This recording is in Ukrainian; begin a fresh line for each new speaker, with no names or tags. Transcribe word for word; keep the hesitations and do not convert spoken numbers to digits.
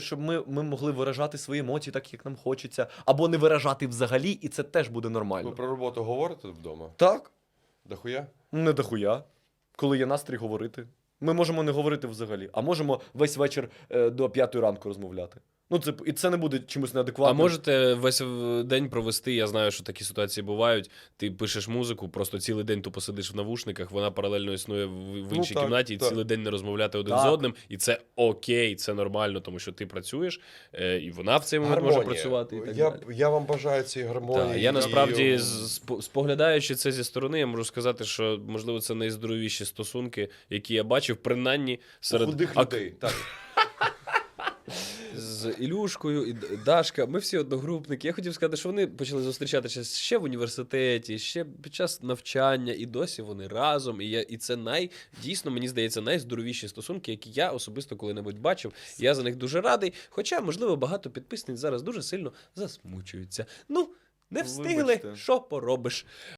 щоб ми, ми могли виражати свої емоції так, як нам хочеться, або не виражати взагалі, і це теж буде нормально.
Ви про роботу говорите вдома?
Так,
Дохуя?
не дохуя, коли є настрій говорити. Ми можемо не говорити взагалі, а можемо весь вечір е, до п'ятої ранку розмовляти. Ну, це, і це не буде чимось
А
неадекватним.
можете весь в- день провести, я знаю, що такі ситуації бувають, ти пишеш музику, просто цілий день тупо сидиш в навушниках, вона паралельно існує в, в
Ну,
іншій
так,
кімнаті, і
так.
цілий день не розмовляти один
Так.
з одним, і це окей, це нормально, тому що ти працюєш, е, і вона в цей момент може працювати, і так
я,
далі.
я вам бажаю цієї гармонії.
Так, я
і-
насправді, з- спо- споглядаючи це зі сторони, я можу сказати, що, можливо, це найздоровіші стосунки, які я бачив, принаймні серед
худих
ак-
людей. Так.
з Ілюшкою, і Д- Дашка, ми всі одногрупники. Я хотів сказати, що вони почали зустрічатися ще в університеті, ще під час навчання, і досі вони разом. І, я, і це най, дійсно, мені здається, найздоровіші стосунки, які я особисто коли-небудь бачив. І я за них дуже радий. Хоча, можливо, багато підписниць зараз дуже сильно засмучуються. Ну, не встигли,
Вибачте.
що поробиш.